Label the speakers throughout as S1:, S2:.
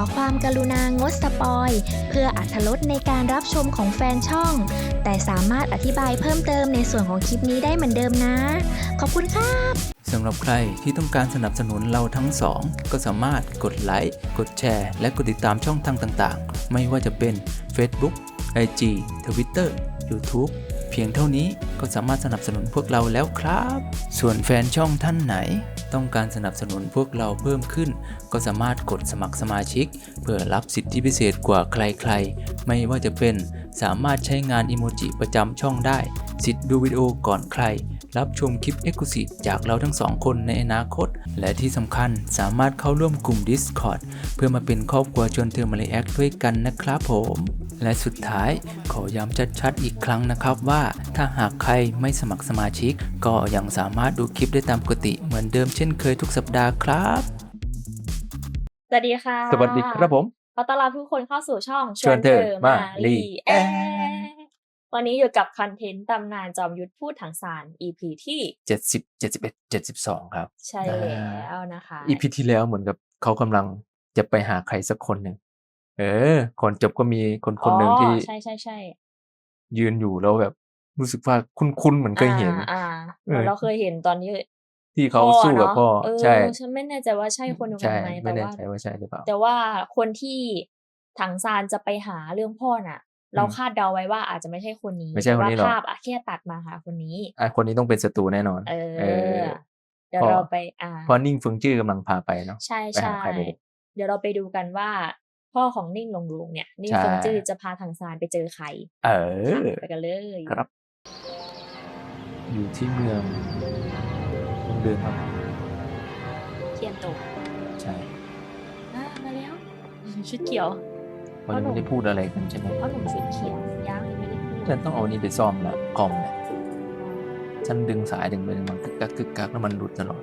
S1: ความกรุณางดสปอยเพื่ออรรถรสในการรับชมของแฟนช่องแต่สามารถอธิบายเพิ่มเติมในส่วนของคลิปนี้ได้เหมือนเดิมนะขอบคุณครับ
S2: สำหรับใครที่ต้องการสนับสนุนเราทั้งสองก็สามารถกดไลค์กดแชร์และกดติดตามช่องทางต่างๆไม่ว่าจะเป็น Facebook IG Twitter YouTube เพียงเท่านี้ก็สามารถสนับสนุนพวกเราแล้วครับส่วนแฟนช่องท่านไหนต้องการสนับสนุนพวกเราเพิ่มขึ้นก็สามารถกดสมัครสมาชิกเพื่อรับสิทธิพิเศษกว่าใครๆไม่ว่าจะเป็นสามารถใช้งานอิโมจิประจำช่องได้สิทธิ์ดูวิดีโอก่อนใครรับชมคลิป Exclusive จากเราทั้งสองคนในอนาคตและที่สำคัญสามารถเข้าร่วมกลุ่ม Discord เพื่อมาเป็นครอบครัวชวนเธอมาเลแอคด้วยกันนะครับผมและสุดท้ายขอย้ำชัดๆอีกครั้งนะครับว่าถ้าหากใครไม่สมัครสมาชิกก็ยังสามารถดูคลิปได้ตามปกติเหมือนเดิมเช่นเคยทุกสัปดาห์ครับ
S1: สวัสดีค่ะ
S2: สวัสดีครับผม
S1: ขอต้อนรับทุกคนเข้าสู่ช่อง
S2: ชวนเธอมาลีแอค
S1: วันนี้อยู่กับคอนเทนต์ตำนานจอมยุทธพูดถังสาร EP ที่
S2: 70 71 72ครับ
S1: ใช่แล้วนะคะ
S2: EP ที่แล้วเหมือนกับเขากำลังจะไปหาใครสักคนหนึ่งก่อนจบก็มีคนหนึ่งที่
S1: ใช่ใช่ใช่
S2: ยืนอยู่แล้วแบบรู้สึกว่าคุ้นๆเหมือนเคยเห็น
S1: เราเคยเห็นตอนนี้
S2: ที่เขาสู้กับพ่อใช่
S1: ฉันไม่แน่ใจว่าใช่คนเดียวกั
S2: ใช่
S1: นไหม
S2: ไม่แน่ใจว่าใช่หรือเปล่า
S1: แต่ว่าคนที่ถังซานจะไปหาเรื่องพ่อน่ะ เราคาดเดาไว้ว่าอาจจะไม่ใช่คนนี้
S2: ไม่ใช่คนนี้หรอ
S1: แต่ว่าภาพแค่ตัดมาหาคนนี้
S2: คนนี้ต้องเป็นศัตรูแน่นอน
S1: เดี๋ยวเราไป
S2: เพราะนิ่งเฟิงจื้อกำลังพาไปเนาะ
S1: ใช่
S2: ไปหาใครไป
S1: เดี๋ยวเราไปดูกันว่า พ่อของนิ่งหลงลุงเนี่ยนิ่งเฟิงจื้อจะพาถังซานไปเจอใครไปกันเลย
S2: ครับ อยู่ที่เมืองเดินครับ
S1: เทียนโต
S2: ใช่
S1: มาแล้วชุดเขียว
S2: เขายังไม่ได้พูดอะไรกันใช่ไหม
S1: เพราะหนุ่มชุดเขียวยังไม่ได้พูด
S2: ฉันต้องเอานี่ไปซ่อมแล้วคอมเนี่ยฉันดึงสายดึงไปดึงมันกึกกักแล้วมันหลุดตลอด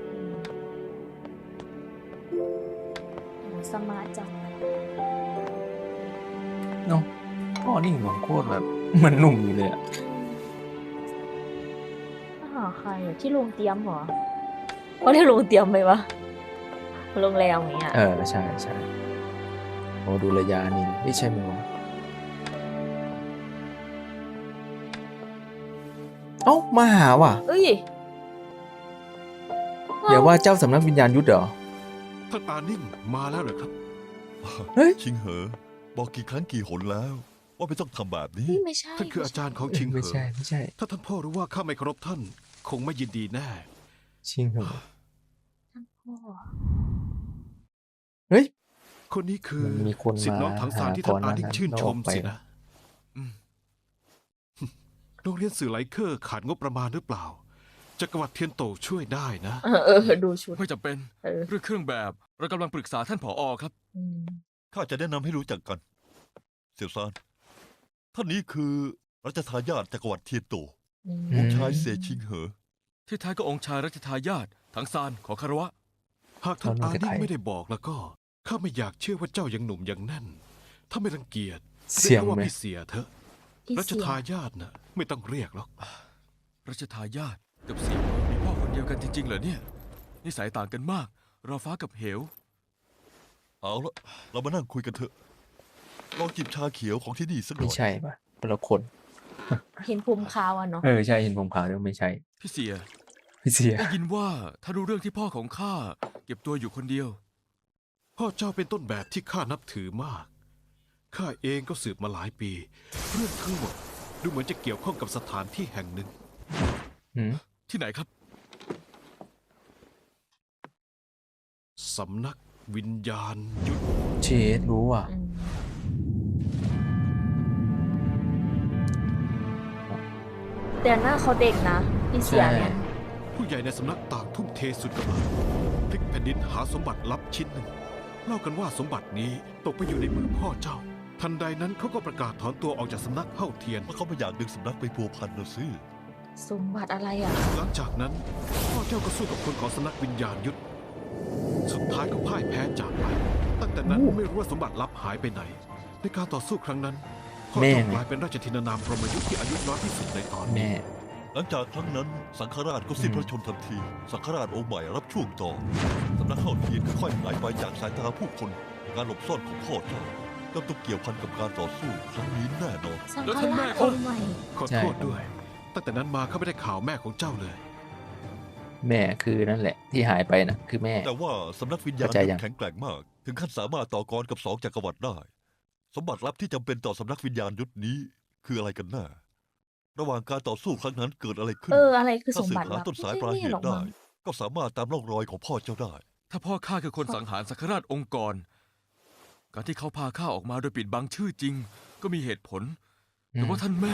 S1: สมาร์ทจัง
S2: เนาะพ่อนิ่งของโคตรแบบมันหนุ่มอยู่เลยอะ
S1: ใครที่โรงเตรียมเหรอเขาเรียกโรงเตรียมไหมวะโรงแรมอย่างเงี้ย
S2: ใช่ใช่โอ้ดูระยะนี่ไม่ใช่ไหมวะมาหาว่ะอย่าว่าเจ้าสำนักวิญญาณยุทธเหรอ
S3: ท่านอานิ่งมาแล้วเหรอครับชิงเหอบอกกี่ครั้งกี่หนแล้วว่าไม่ต้องทำแบบนี้ท่านคืออาจารย์ของชิงเหอ
S2: ไม่ใช่
S3: ถ้าท่านพ่อรู้ว่าข้าไม่เคารพท่านคงไม่ยินดีแน่
S2: ชิงเหอ
S1: ท่านพ่อ
S2: เฮ้ย
S3: คนนี้คือศิษย์น้องถังซานที่ท่านอานิ่งชื่นชมสินะโรงเรียนสื่อไลเคอร์ขาดงบประมาณหรือเปล่าจักรวรรดิเทียนโตช่วยได้นะ
S1: ดูชุด
S4: ไม่จำเป็นเรื่องเครื่องแบบเรากำลังปรึกษาท่านผอ.ครับ
S3: ข้าจะแนะนำให้รู้จักกันเสี่ยวซานท่านนี้คือรัชทายาทจักรวรรดิเทียนโตองค์ชายเสชิงเหอ
S4: ที่แท้ก็องค์ชายรัชทายาทถังซานขอคารวะ
S3: หากท่านอานิ่งไม่ได้บอกแล้วก็ข้าไม่อยากเชื่อว่าเจ้ายังหนุ่มยังแน่นถ้าไม่รังเกียจเรียกว่าพี่เสียเถอะรัชทายาทน่ะไม่ต้องเรียกหรอก
S4: รัชทายาทกับเสี่ยวมีพ่อคนเดียวกันจริงๆเหรอเนี่ยนิสัยต่างกันมากรอฟ้ากับเหว
S3: เอาละเรามานั่งคุยกันเถอะลองจิบชาเขียวของที่นี่สักหน่อย
S2: ไม่ใช่ป่ะคนละคน
S1: เห็นภูมิขาวเนาะ
S2: ใช่เห็นภูมิขาวด้วยไม่ใช่
S4: พี่เสีย
S2: ได้
S4: ยินว่าถ้ารู้เรื่องที่พ่อของข้าเก็บตัวอยู่คนเดียว
S3: พ่อเจ้าเป็นต้นแบบที่ข้านับถือมากข้าเองก็สืบมาหลายปีเรื่องทั้งหมดดูเหมือนจะเกี่ยวข้องกับสถานที่แห่งหนึ่ง
S4: ที่ไหนครับ
S3: สำนักวิญญาณยุทธ
S2: เชดรู้อ่ะ
S1: แต่หน้าเขาเด็กนะพี่เสียเนี่ย
S3: ผู้ใหญ่ในสำนักต่างทุ่มเทสุดกำลังพลิกแผ่นดินหาสมบัติลับชิ้นหนึ่งเล่ากันว่าสมบัตินี้ตกไปอยู่ในมือพ่อเจ้าทันใดนั้นเขาก็ประกาศถอนตัวออกจากสำนักเฮ้าเทียนเพราะเขาไม่อยากดึงสำนักไปพัวพันนะซิ
S1: สมบัติอะไรอ่ะ
S3: หลังจากนั้นพ่อเจ้าก็สู้กับคนของสำนักวิญญาณยุทธสุดท้ายก็พ่ายแพ้จากไปตั้งแต่นั้นไม่รู้ว่าสมบัติลับหายไปไหนในการต่อสู้ครั้งนั้นพ่อเจ้ากลายเป็นราชธินานามพรหมยุทธที่อายุน้อยที่สุดในตอนนี้หลังจากครั้งนั้นสังฆราชก็สิ้นพระชนม์ทันทีสังฆราชองค์ใหม่รับช่วงต่อสำนักเฮ้าเทียนค่อยๆหายไปจากสายตาผู้คน
S5: การหลบซ่อนของพ่อเจ้าย่อมต้องเกี่ยวพันกับการต่อสู้ครั้งนี้แน่นอน
S1: สัง
S4: แล้ว
S1: ฆ
S4: ท่านแม่
S1: ราช
S4: ก็
S1: องค์ใหม่
S3: ขอโทษด้วย ตั้งแต่นั้นมาข้าไม่ได้ข่าวแม่ของเจ้าเลย
S2: แม่คือนั่นแหละที่หายไปนะคือแม่
S5: แต่ว่าสำนักวิญญาณ
S2: เข้าใจยัง
S5: แข็งแกร่งมาก ถึงขั้นสามารถต่อกรกับ2 จักรวรรดิได้ สมบัติลับที่จำเป็นต่อสำนักวิญญาณยุทธนี้คืออะไรกันแน่ระหว่างการต่อสู้ครั้งนั้นเกิดอะไรขึ้น
S1: อะไรคือส
S5: ถ้าม สืบ
S1: บัติ
S5: หา
S1: ลับ
S5: ต้นสายปลายเหตุได้ ก็สามารถตามร่องรอยของพ่อเจ้าได้
S4: ถ้าพ่อข้าคือคนสังหารสังฆราชองค์กร การที่เขาพาข้าออกมาโดยปิดบังชื่อจริง ก็มีเหตุผล แต่ว่าท่านแม่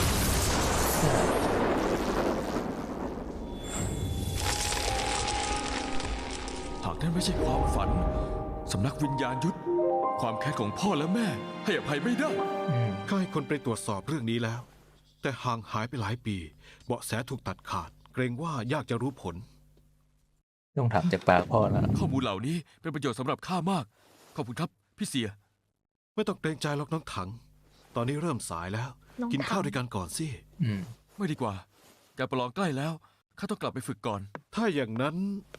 S4: หากนั่นไม่ใช่ความฝัน สำนักวิญญาณยุทธความแค้นของพ่อและแม่ ให้อภัยไม่ได้
S2: อืม
S3: ข้าให้คนไปตรวจสอบเรื่องนี้แล้ว แต่ห่างหายไปหลายปี เบาะแสถูกตัดขาด เกรงว่ายากจะรู้ผล
S2: ต้องถามจากปากพ่อแล้ว
S4: ข้อมูลเหล่านี้เป็นประโยชน์สำหรับข้ามาก ขอบคุณครับ พี่เสีย
S3: ไม่ต้องเกรงใจหรอกน้องถัง ตอนนี้เริ่มสายแล้ว
S1: น้อง
S3: กินข้าว
S1: ถัง
S3: ด้วยกันก่อนสิ
S2: อืม
S4: ไม่ดีกว่า การประลองใกล้แล้ว ข้าต้องกลับไปฝึกก่อน
S3: ถ้าอย่างนั้น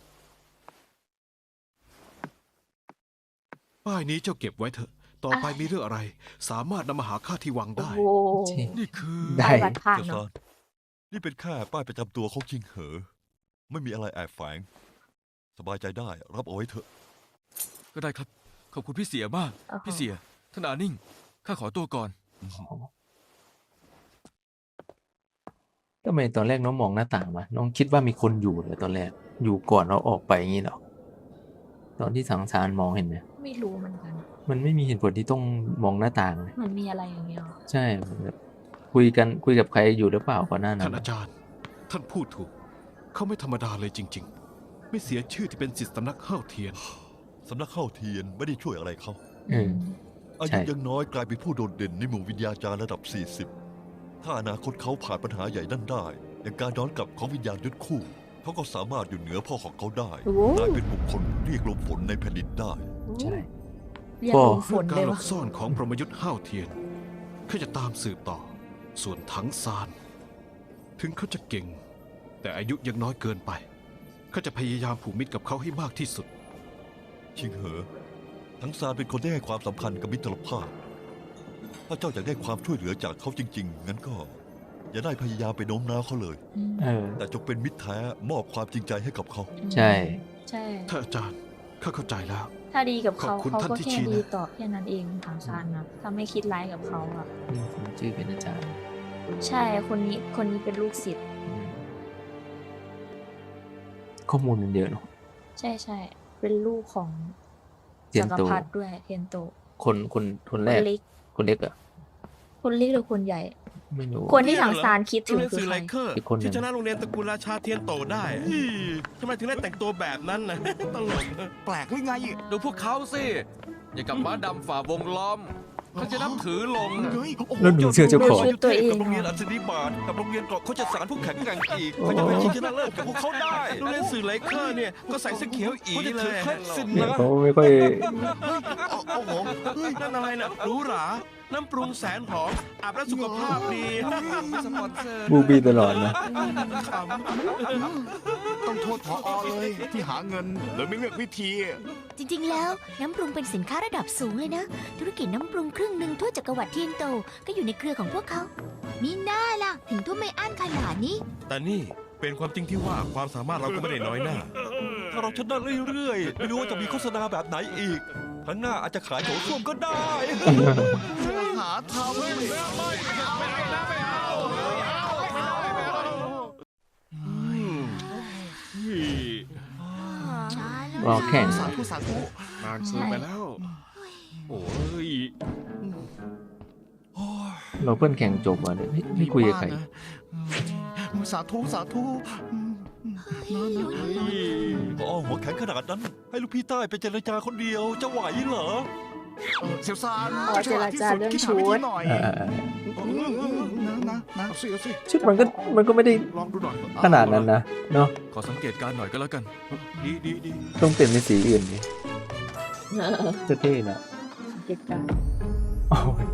S3: ป้ายนี้เจ้าเก็บไว้เถอะ ต่อไปมีเรื่องอะไร สามารถนำมาหาข้าที่วัง
S1: โอ้
S3: ได้
S1: โห
S4: นี่คือ
S2: ได้
S1: วัดผ่าน
S5: เจ้า
S1: เนาะ
S5: ซานนี่เป็นแค่ป้ายประจำตัวของจิงเหอ ไม่มีอะไรแอบแฝง สบายใจได้รับเอาไว้เถอะ
S4: ก็ได้ครับ ขอบคุณพี่เสียมาก พี่เสีย ท่านอานิ่ง ข้าขอตัวก่อน
S2: ทำไมตอนแรกน้องมองหน้าต่างมา น้องคิดว่ามีคนอยู่เหรอตอนแรก อยู่ก่อนเราออกไปอย่างนี้เหรอ ตอนที่สังสารมองเห็นไหม
S1: ไม่รู้เหมือนกัน
S2: มันไม่มีเหตุผลที่ต้องมองหน้าต่างเลย
S1: มันมีอะไรอย่างเงี้ยหรอ
S2: ใช่แบบคุยกับใครอยู่หรือเปล่าก่อนหน้านั้
S3: ท่าน นอาจารย์ ท่านพูดถูก เขาไม่ธรรมดาเลยจริง ๆ ไม่เสียชื่อที่เป็นศิษย์สำนักข้าวเทียน
S5: สำนักข้าวเทียนไม่ได้ช่วยอะไรเขา
S2: อืม
S5: อา
S2: ใช่
S5: ยุยังน้อยกลายเป็นผู้โดดเด่นในหมู่วิญญาจารย์ระดับ 40 ถ้าอนาคตเขาผ่านปัญหาใหญ่นั่นได้ อย่างการย้อนกลับของวิญญาณยุทธคู่ เขาก็สามารถอยู่เหนือพ่อของเขาได้
S1: โอ้โห
S5: กลายเป็นบุคคลเรียกลมฝนในแผ่นดินได้
S2: ใช่
S1: เรียก
S2: พ่อ
S1: ลมฝ
S3: เรื่อง
S1: น
S3: กา
S1: เล
S3: ร
S1: ย
S3: หล
S1: วะ
S3: บซ่อนของพรหมยุทธ์ห้าวเทียนข้าจะตามสืบต่อ ส่วนถังซาน ถึงเขาจะเก่ง แต่อายุยังน้อยเกินไปข้าจะพยายามผูกมิตรกับเขาให้มากที่สุด
S5: ชิงเหอ ทั้งซานเป็นคนที่ให้ความสำคัญกับมิตรภาพ ถ้าเจ้าอยากได้ความช่วยเหลือจากเขาจริง ๆ งั้นก็ อย่าได้พยายามไปโน้มน้าวเขาเลย
S2: เออ
S5: แต่จงเป็นมิตรแท้มอบความจริงใจให้กับเขา
S2: ใช่
S1: ใช่
S3: ท่านอาจารย์ข้าเข้าใจแล้ว
S1: ถ้าดีกับเขา
S3: ขอบคุณ
S1: เขา
S3: ท่าน
S1: ก็
S3: ที่
S1: แค่
S3: ชี้นะ
S1: ดีตอบแค่นั้นเองทางซานนะถ้าไม่คิดร้ายกับเขาอะ
S2: สมชื่อเป็นอาจารย์
S1: ใช่คนนี้เป็นลูกศิษย์
S2: อืมข้อมูลมันเยอะเนาะ
S1: ใช่ใช่เป็นลูกของ
S2: เทีย
S1: จั
S2: น
S1: กร
S2: โต
S1: พรรดิด้วยเทียนโต
S2: คน
S1: ค
S2: แร
S1: น
S2: ก
S1: เล็ก
S2: คนเล็กอะ
S1: คนเล็กหรือคนใหญ่
S2: ไม่รู้
S1: คนที่ทางซานคิด
S6: โร
S1: ถึ
S6: ง
S1: ง
S6: เรียน
S1: คือ
S6: สื่อ
S1: ใค
S6: ไล
S1: ร
S6: เคอร์
S2: อีกคนหนึ่ง
S6: ที่ชนะโรงเรียนตระกูลราชาเทียนโตได้ทำไมถึงได้แต่งตัวแบบนั้นนะตลก
S7: แปลกหรือไง
S4: ดูพวกเขาสิ อย่ากับม้าดำฝ่าวงล้อมเขาจะนับถือลง
S7: เฮ้ยโอ้โห
S2: แล้วดูเสื้อเจ้าของ
S1: ชุดตัวเอง
S5: กับโรงเรียน
S1: อะ
S5: อัศนีบาทกับโรงเรียนเกราะเขาจะสารผู้แข็งแกร่งอีก
S2: โอ้
S5: เขาจะไปชิงชนะเลิศกับพวกเขาได้
S6: โรงเรียนสื่อไลเคอร์เนี่ยก็ใส่เสื้อเขียวอี
S5: เขาจะ
S6: เล
S5: ถือย เคล็ดสิน
S2: เนี่ย
S5: นะ
S2: เขาไม่ค่อย
S6: โอ้โหเฮ้ยนั่นอะไรนะหรูหรา น้ำปรุงแสนหอมอาบแล้วสุขภาพดีสปอนเซอร์
S2: บูบี้ตลอดนะ
S6: ขำ
S7: ต้องโทษผอเลยที่หาเงินเลยไม่เลือกวิธี
S8: จริงๆ แล้วน้ำปรุงเป็นสินค้าระดับสูงเลยนะ ธุรกิจน้ำปรุงครึ่งหนึ่งทั่วจักรวรรดิเทียนโตก็อยู่ในเครือของพวกเขามีหน้าล่ะ ถึงทุ่มไม่อั้นขนาดนี้
S6: แต่นี่เป็นความจริงที่ว่าความสามารถเราก็ไม่ได้น้อยหน้า
S5: ถ้าเราชนะเรื่อยๆ ไม่รู้ว่าจะมีโฆษณาแบบไหนอีกครั้งหน้าอาจจะขายโถส้วมก็ได้
S7: หาทำเลย
S2: รอแข่ง
S7: สาธุสาธุ
S3: นานเกินไปแล้ว โอ้ย
S2: เราเพิ่งแข่งจบว่ะเนี่ยไม่คุยกับใคร
S7: สาธุสาธุ
S5: พอหัวแข็งขนาดนั้น ให้ลูกพี่ใต้ไปเจรจาคนเดียวจะไหวเหรอ
S7: เซียวซาน
S1: อ๋อเจรจาเรื่อง
S7: คิด
S1: ชุ
S7: หาวิธี
S1: ด
S7: หน่อย นะ
S3: เอาสิเอาสิ
S2: ชุดมันก็ไม่ได้
S3: ลองดูหน่อย
S2: ขนาดนั้นนะเนาะ
S4: ขอสังเกตการณ์หน่อยก็แล้วกัน
S3: ดี
S2: ต้องเปลี่ยนเป็นสีอื่นดิจะเท่นะ
S1: เหตุการณ์
S2: โอ้ย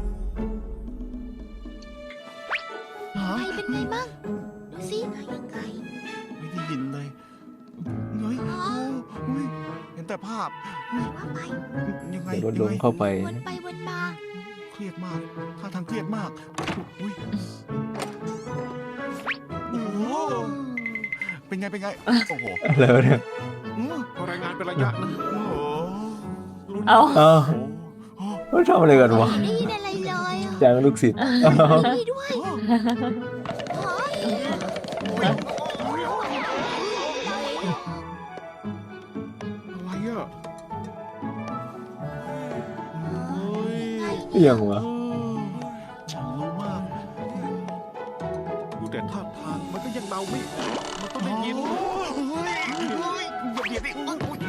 S8: ไปเป็นไงบ้างดูสิยังไง
S7: ไม่ได้ยินเลยเฮ้ยเห็นแต่แต่ภาพ
S8: ว่าไป
S7: ยังไง
S2: เดี๋ยวรถล้มเข้าไป
S8: วนไปวนมา
S7: เครียดมากท่าทางเครียดมากอุ้ยโอ้โหเป็นไงเป็นไงโอ้โห
S2: แล้วเนี่ย
S3: รายงานเป็นระยะนะ
S7: โอ้โห
S9: เอา
S2: อ้าว
S7: โอ้โห
S2: เขาทำอะไรกันวะ
S8: ไม่ได้ยินอะไรเลยอะ
S2: จ้างลูกศิษย์อ้าว
S8: นี่ด้วยเฮ้ย
S3: อะไรอ่ะ
S2: เอียงวะ
S7: ฉันรู้มาก
S3: ดูแต่ท่าทางมันก็ยังเดาไม่ออกมันต้องได้ยิน
S7: เฮ้ยเดี๋ยวดิโอ้ย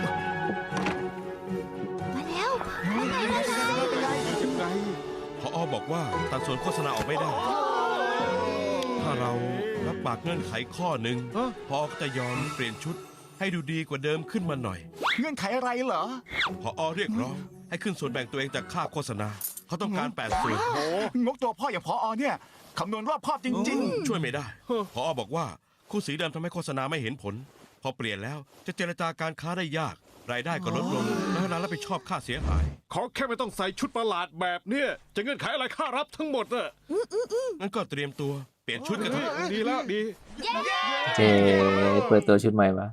S8: มาแล้วว่าไงว่าไง
S3: ยังไง
S6: พอบอกว่าตัดส่วนโฆษณาออกไม่ได้ ถ้าเรารับปากเงื่อนไขข้อหนึ่งพอก็จะยอมเปลี่ยนชุด ให้ดูดีกว่าเดิมขึ้นมาหน่อย
S7: เงื่อนไขอะไรเหรอ
S6: พอเรียกร้องให้ขึ้นส่วนแบ่งตัวเองจากค่าโฆษณา เขาต้องการ8ส่วน
S7: งกตัวพ่ออย่างพอเนี่ยคำนวณรอบคอบจริง
S6: ช่วยไม่ได้ พอบอกว่าคู่สีเดิมทำให้โฆษณาไม่เห็นผล พอเปลี่ยนแล้วจะเจรจาการค้าได้ยาก รายได้ก็ลดลง และร้านรับผิดชอบค่าเสียหาย
S3: ขอแค่ไม่ต้องใส่ชุดประหลาดแบบเนี้ยจะเงื่อนไขอะไรค่ารับทั้งหมดน่ะ
S6: งั้นก็เตรียมตัวเปลี่ยนชุดกันเถอะ
S3: ดีแล้วดี
S2: เจเปิดตัวชุดใหม่มา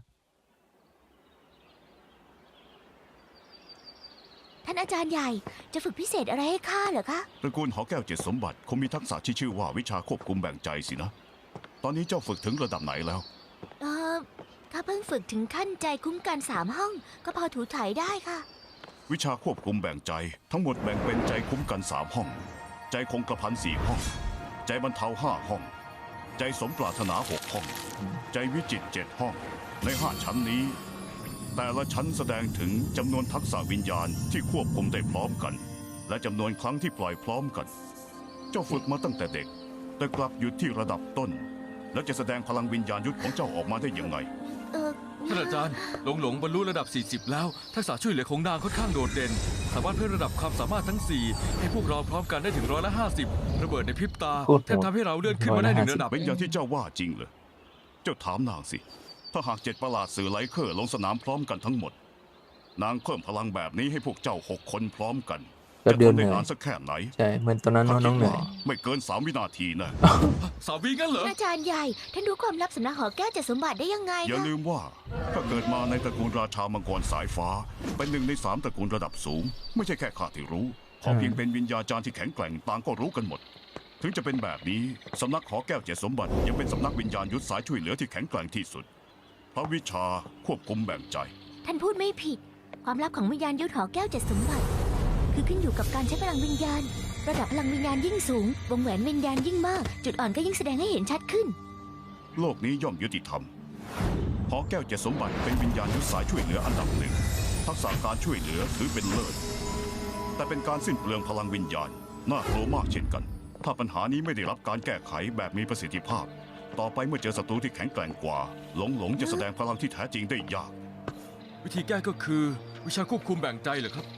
S8: ท่านอาจารย์ใหญ่จะฝึกพิเศษอะไรให้ข้าเหรอคะ
S10: ตระกูลหอแก้วเจ็ดสมบัติคงมีทักษะที่ชื่อว่าวิชาควบคุมแบ่งใจสินะ ตอนนี้เจ้าฝึกถึงระดับไหนแล้ว
S8: เออข้าเพิ่งฝึกถึงขั้นใจคุ้มกัน3 ห้อง ก็พอถูถ่ายได้ค่ะ
S10: วิชาควบคุมแบ่งใจ ทั้งหมดแบ่งเป็นใจคุ้มกัน3 ห้อง ใจคงกระพัน4 ห้อง ใจบรรเทา5 ห้อง ใจสมปรารถนา6 ห้อง ใจวิจิตร7 ห้อง ใน5 ชั้นนี้ แต่ละชั้นแสดงถึงจำนวนทักษะวิญญาณที่ควบคุมได้พร้อมกัน และจำนวนครั้งที่ปล่อยพร้อมกัน เจ้าฝึกมาตั้งแต่เด็ก แต่กลับหยุดที่ระดับต้น แล้วจะแสดงพลังวิญญาณยุทธของเจ้าออกมาได้ยังไง
S8: เออ
S4: ท่านอาจารย์หลงบรรลุระดับ 40 แล้ว ทักษะช่วยเหลือของนางค่อนข้างโดดเด่น สามารถเพิ่มระดับความสามารถทั้ง 4 ให้พวกเราพร้อมกันได้ถึง150 ระเบิดในพริบตา
S2: โคตรโหด
S4: แทบทำให้เราเลื่อนขึ้นมาได้1 ระดับ
S10: เป็นอย่างที่เจ้าว่าจริงเหรอ เจ้าถามนางสิ ถ้าหาก7 ประหลาดสื่อไลเคอร์ลงสนามพร้อมกันทั้งหมด นางเพิ่มพลังแบบนี้ให้พวกเจ้า6 คนพร้อมกัน
S2: แป๊
S10: จะ
S2: บเดียว
S10: ทำได้
S2: เหนื่อย
S10: นานสักแค่ไหน
S2: ใช่ เหมือนตอนนั้น
S10: ข้า
S2: น้
S10: คิ
S2: อง
S10: ด
S2: เหนื่อ
S10: ว่าย ไม่เกิน3 วินาทีนะ
S4: สาวีงั้นเหรอ
S8: ท่านอาจารย์ใหญ่ ท่านรู้ความลับสำนักหอแก้วเจ็ดสมบัติได้ยังไง
S10: อย่า
S8: คะ
S10: ลืมว่าถ้าเกิดมาในตระกูลราชามังกรสายฟ้า เป็น1 ใน 3 ตระกูลระดับสูง ไม่ใช่แค่ข้าที่รู้ขอเพียงเป็นวิญญาจารย์ที่แข็งแกร่งต่างก็รู้กันหมด ถึงจะเป็นแบบนี้สำนักหอแก้วเจ็ดสมบัติยังเป็นสำนักวิญญาณยุทธสายช่วยเหลือที่แข็งแกร่งที่สุดเพราะวิชาควบคุมแบ่งใจ
S8: ท่านพูดไม่ผิด ความลับของวิญญาณยุทธหอแก้วเจ็ดสมบัติ คือขึ้นอยู่กับการใช้พลังวิญญาณ ระดับพลังวิญญาณยิ่งสูง วงแหวนวิญญาณยิ่งมาก จุดอ่อนก็ยิ่งแสดงให้เห็นชัดขึ้น
S10: โลกนี้ย่อมยุติธรรมหอแก้วเจ็ดสมบัติเป็นวิญญาณยุทธสายช่วยเหลืออันดับหนึ่งทักษะการช่วยเหลือถือเป็นเลิศแต่เป็นการสิ้นเปลืองพลังวิญญาณน่ากลัวมากเช่นกัน ถ้าปัญหานี้ไม่ได้รับการแก้ไขแบบมีประสิทธิภาพ ต่อไปเมื่อเจอศัตรูที่แข็งแกร่งกว่าหลงจะแสดงพลังที่แท้จริงได้ยาก
S4: วิธีแก้ก็คือวิชาควบคุมแบ่งใจเหรอครับ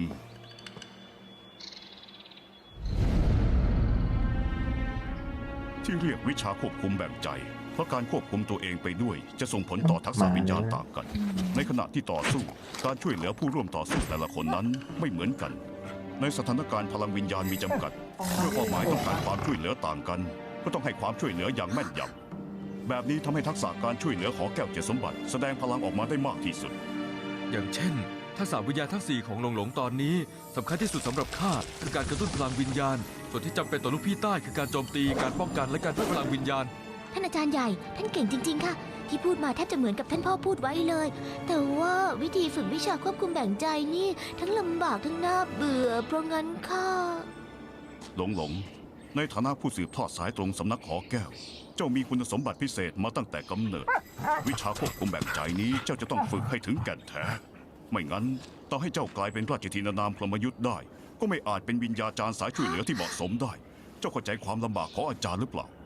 S10: ที่เรียกวิชาควบคุมแบ่งใจ เพราะการควบคุมตัวเองไปด้วย จะส่งผลต่อทักษะวิญญาณต่างกัน ในขณะที่ต่อสู้ การช่วยเหลือผู้ร่วมต่อสู้แต่ละคนนั้นไม่เหมือนกัน ในสถานการณ์พลังวิญญาณมีจำกัดเมื่อเป้าหมายต้องการความช่วยเหลือต่างกัน ก็ต้องให้ความช่วยเหลืออย่างแม่นยำแบบนี้ทำให้ทักษะการช่วยเหลือของแก้วเจ็ดสมบัติแสดงพลังออกมาได้มากที่สุด
S4: อย่างเช่น ทักษะวิญญาณทั้ง 4 ของหลงตอนนี้สำคัญที่สุดสำหรับข้าคือการกระตุ้นพลังวิญญาณ ส่วนที่จำเป็นต่อลูกพี่ใต้คือการโจมตี การป้องกันและการเพิ่มพลังวิญญาณ
S8: ท่านอาจารย์ใหญ่ ท่านเก่งจริง ๆ ค่ะ ที่พูดมาแทบจะเหมือนกับท่านพ่อพูดไว้เลย แต่ว่าวิธีฝึกวิชาควบคุมแบ่งใจนี่ ทั้งลำบากทั้งน่าเบื่อ เพราะงั้นข้า
S10: หลงในฐานะผู้สืบทอดสายตรงสำนักหอแก้ว เจ้ามีคุณสมบัติพิเศษมาตั้งแต่กำเนิด วิชาควบคุมแบ่งใจนี้เจ้าจะต้องฝึกให้ถึงแก่นแท้ ไม่งั้นต่อให้เจ้ากลายเป็นราชธินานามพรหมยุทธ์ได้ ก็ไม่อาจเป็นวิญญาจารย์สายช่วยเหลือที่เหมาะสมได้ เจ้าเข้าใจความลำบากของอาจารย์หรือเปล่า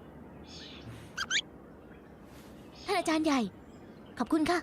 S8: ท่านอาจารย์ใหญ่ ขอบคุณค่ะ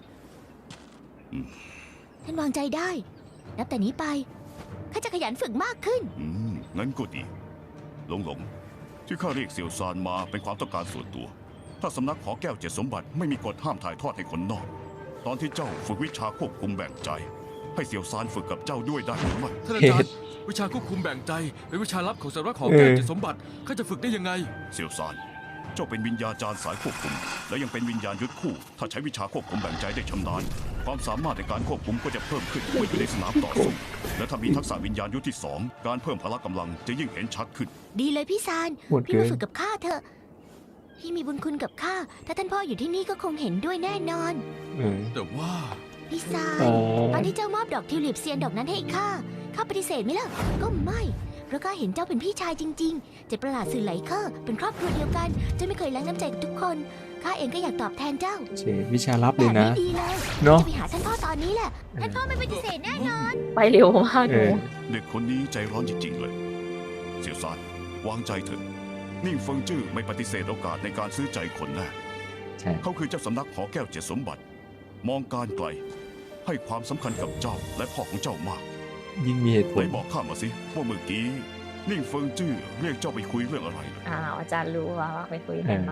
S8: ท่านวางใจได้ นับแต่นี้ไปข้าจะขยันฝึกมากขึ้น
S10: งั้นก็ดี หลงที่ข้าเรียกเสี่ยวซานมาเป็นความต้องการส่วนตัว ถ้าสำนักหอแก้วเจ็ดสมบัติไม่มีกฎห้ามถ่ายทอดให้คนนอก ตอนที่เจ้าฝึกวิชาควบคุมแบ่งใจให้เสี่ยวซานฝึกกับเจ้าด้วยได้หรือไม่
S4: ท่านอาจารย์วิชาควบคุมแบ่งใจเป็นวิชาลับของสำนักหอแก้วเจ็ดสมบัติข้าจะฝึกได้ยังไง
S10: เสี่ยวซานเจ้าเป็นวิญญาจารย์สายควบคุม และยังเป็นวิญญาณยุทธคู่ ถ้าใช้วิชาควบคุมแบ่งใจได้ชำนาญความสามารถในการควบคุมก็จะเพิ่มขึ้นเมื่ออยู่ในสนามต่อสู้และถ้ามีทักษะวิญญาณยุทธที่สองการเพิ่มพละกำลังจะยิ่งเห็นชัดขึ้น
S8: ดีเลยพี่ซาน
S2: โหด
S8: พี่
S2: เกิ
S8: มาน ฝึกกับข้าเถอะ พี่มีบุญคุณกับข้า ถ้าท่านพ่ออยู่ที่นี่ก็คงเห็นด้วยแน่นอน
S4: แต่ว่า
S8: พี่ซาน
S2: อ๋อ
S8: ตอนที่เจ้ามอบดอกทิวลิปเซียนดอกนั้นให้ข้า ข้าปฏิเสธไหมล่ะ ก็ไม่ เพราะข้าเห็นเจ้าเป็นพี่ชายจริงๆ เจ็ดประหลาดสื่อไหลเคอร์เป็นครอบครัวเดียวกัน เจ้าไม่เคยแล้งน้ำใจกับทุกคน ข้าเองก็อยากตอบแทนเจ้า
S2: เชวิชาลับเลยนะ
S8: แบบดีเลย
S2: เนาะ
S8: จะไปหาท่านพ่อตอนนี้แหละ ท่านพ่อไม่ปฏิเสธแน่นอน
S9: ไปเร็วมาก
S2: เอ
S9: หนู
S2: อ
S10: เด็กคนนี้ใจร้อนจริงๆเลย เสี่ยวซานวางใจเถอะนิ่งเฟิงจื้อไม่ปฏิเสธโอกาสในการซื้อใจคนแน่
S2: ใช่
S10: เขาคือเจ้าสำนักหอแก้วเจ็ดสมบัติ มองการไกล ให้ความสำคัญกับเจ้าและพ่อของเจ้ามาก
S2: ยิ่งมีเหตุผ
S10: ไหน
S2: ล
S10: บอกข้ามาสิว่าเมื่อกี้นิ่งเฟิงจื้อเรียกเจ้าไปคุยเรื่องอะไรเหรอ
S9: อาจารย์รู้ว่าไปคุยกันมา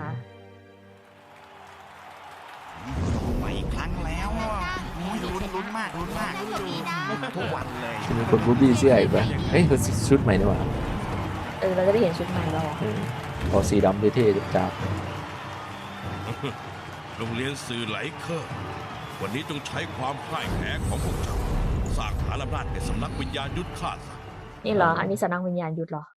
S7: มาอีกครั้งแล้วอ่ะโอ้ยลุ้นมากทุกวันเลย
S2: มีคนบูบี้เสื้ออีกปะเฮ้ยเขาชุดใหม่นี่หว่า
S9: เราจะได้เห็นชุดใหม่แล้ว
S2: เอาสีดำเท่ๆจับ
S6: โรงเรียนสื่อไหลเคอร์วันนี้ต้องใช้ความพ่ายแพ้ของพวกเจ้าสร้างฐานอำนาจในสำนักวิญญาณยุทธฆ่าสัตว์
S9: นี่เหรอ อันนี้สำนักวิญญาณยุทธเหรอ